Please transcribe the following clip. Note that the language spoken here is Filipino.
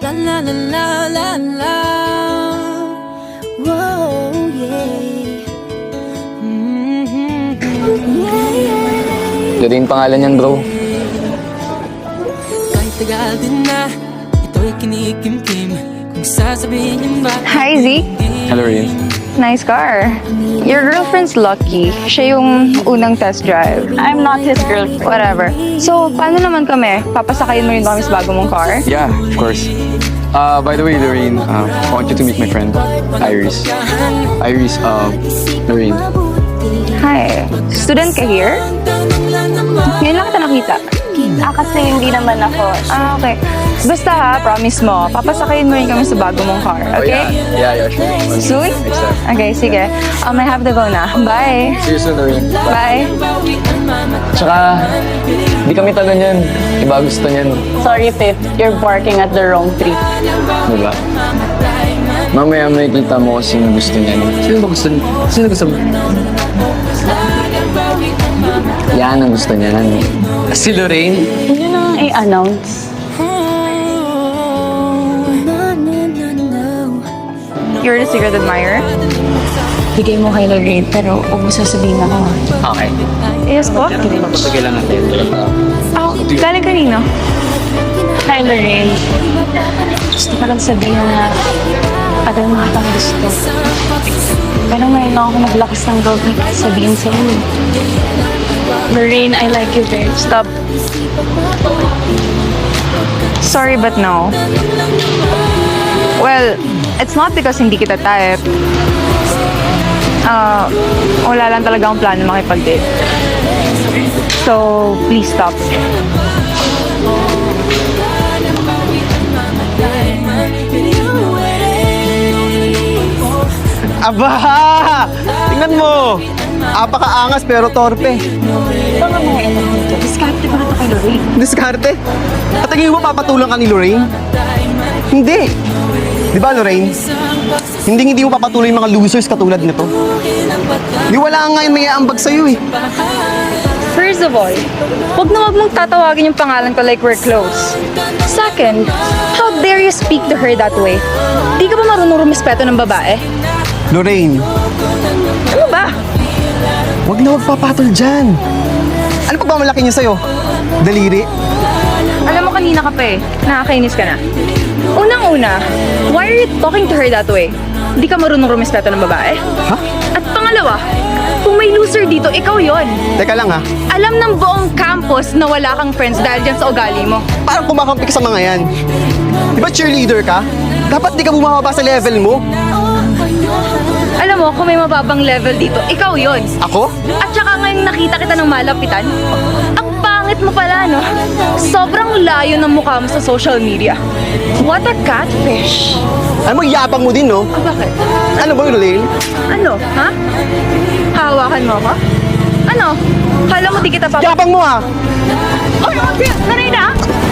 La la la la la la. Whoa, yeah. Lorraine pangalan niyan, bro. Kahit tagal din na, ito'y kinikimkim. Kung sasabihin niyo ba? Hi, Z. Hello, Lorraine. Nice car. Your girlfriend's lucky. Siya yung unang test drive. I'm not his girlfriend. Whatever. So, paano naman kami? Papasakayin mo rin kami sa bago mong car? Yeah, of course. By the way, Lorraine, I want you to meet my friend, Iris. Iris, Lorraine. Hi. Student ka here? Ngayon lang kita nakita. Kasi hindi naman ako. Okay. Basta ha, promise mo, papasakayin mo rin kami sa bago mong car, okay? Oh, yeah, sure. Soon? Next time. Okay, sige. I have to go na. Bye. See you soon, Lorraine. Bye. Tsaka, di kami talo niyan. Iba gusto niyan. Sorry, Pip. You're barking at the wrong tree. Diba? Mamaya may kita mo kung sino gusto niyan. Sino ba gusto niya? Sino gusto mo? Yan ang gusto niya. Si Lorraine? Yun ang i-announce. You're the secret admirer? Bigay mo kay Lorraine, pero huwag mo sasabihin ako. Okay. Yes po. Papagilan natin. Oh, galing kanino? Hi, Lorraine. Gusto ko lang sabihin na alam mo kitang gusto. Pero ngayon lang ako naglakas ng loob na sabihin sa'yo. Lorraine, I like you very much. Stop. Sorry, but no. Well, it's not because hindi kita type. Wala lang talaga akong plano makipag-date. So, please stop. Aba! Tingnan mo! Apakaangas pero torpe. Ito nga mga ino dito. Diskarte ko na ito kay Lorraine. Diskarte. At tingin mo papatulang ka ni Lorraine? Hindi. Di ba, Lorraine? Hindi mo papatuloy yung mga losers katulad nito. Di wala nga yung may aambag sa'yo eh. First of all, wag mong tatawagin yung pangalan ko like we're close. Second, how dare you speak to her that way? Di ka ba marunong rumispeto ng babae? Lorraine, Ano ba? wag na papatol dyan. Ano pa ba malaki niya sa'yo? Daliri? Alam mo, kanina ka pa eh. Nakakainis ka na. Unang-una, why are you talking to her that way? Di ka marunong rumispeto ng babae? Ha? At pangalawa, kung may loser dito, ikaw yon. Teka lang ha. Alam ng buong campus na wala kang friends dahil dyan sa ugali mo. Parang kumakampi ka sa mga yan. Di ba cheerleader ka? Dapat di ka bumababa sa level mo. Alam mo, kung may mababang level dito, ikaw yon. Ako? At saka ngayong nakita kita ng malapitan, ang pangit mo pala, no? Sobrang layo ng mukha mo sa social media. What a catfish! Ano mo, yabang mo din, no? Ah, bakit? Ano ba, Lorraine? Ano, ha? Hawakan mo ako? Ano? Kala mo di kita Yabang mo ha! Oh, Lorena!